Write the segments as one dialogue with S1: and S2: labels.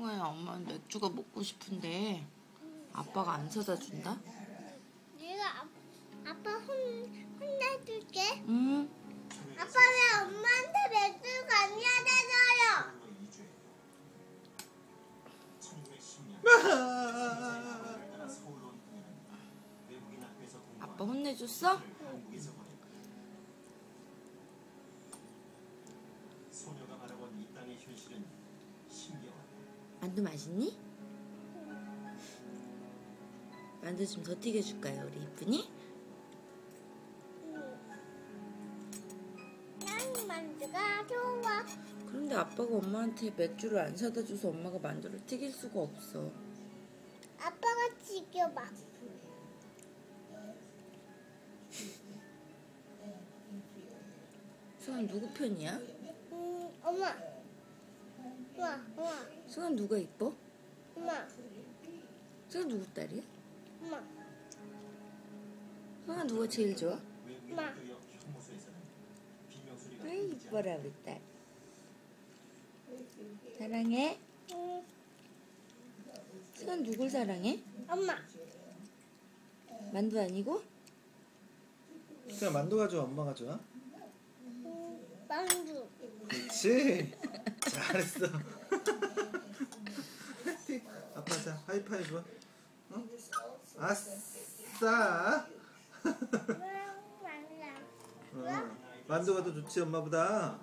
S1: 승아야, 엄마는 맥주가 먹고 싶은데 아빠가 안 사다 준다?
S2: 내가 아빠 혼내줄게.
S1: 응.
S2: 아빠 왜 엄마한테 맥주가 안 사다줘요?
S1: 아빠 혼내줬어? 만두 맛있니? 만두 좀 더 튀겨줄까요, 우리 이쁜이?
S2: 난 만두가 좋아.
S1: 그런데 아빠가 엄마한테 맥주를 안 사다 줘서 엄마가 만두를 튀길 수가 없어.
S2: 아빠가 지켜봐.
S1: 승아 누구 편이야?
S2: 엄마. 엄마.
S1: 승아 누가 이뻐?
S2: 엄마.
S1: 승아 누구 딸이야?
S2: 엄마.
S1: 승아 누가 제일 좋아?
S2: 엄마.
S1: 아이 이뻐라 우리 딸. 사랑해? 승아 누굴 사랑해?
S2: 엄마.
S1: 만두 아니고?
S3: 승아 만두가 좋아, 엄마가 좋아?
S2: 만두.
S3: 그렇지. 잘했어. 아빠 자 하이파이브. 어? 아싸. 만두가 더 좋지 엄마보다.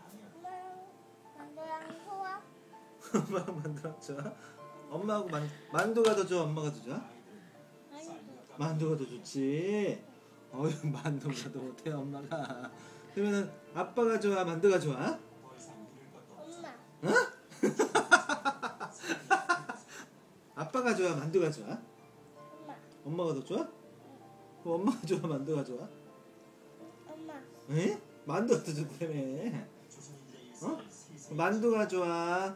S2: 만두랑 좋아.
S3: 엄마랑 만두랑 좋아? 엄마하고 만두가 더 좋아, 엄마가 더 좋아? 만두가 더 좋지. 어휴, 만두가 더 못해 엄마가. 그러면은 아빠가 좋아, 만두가 좋아?
S2: 엄마.
S3: 어? 아빠가 좋아, 만두가 좋아?
S2: 엄마.
S3: 엄마가 더 좋아? 그럼 엄마가 좋아, 만두가 좋아?
S2: 엄마.
S3: 에? 만두가 더 좋다며. 어? 만두가 좋아?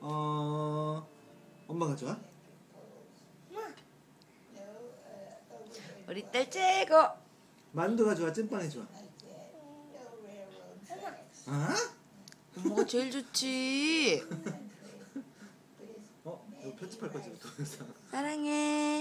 S3: 엄마가 좋아?
S1: 우리 딸 최고!
S3: 만두가 좋아, 찐빵이 좋아? 아?
S1: 엄마가 제일 좋지.
S3: 이거 편집할 거지, 또.
S1: 사랑해.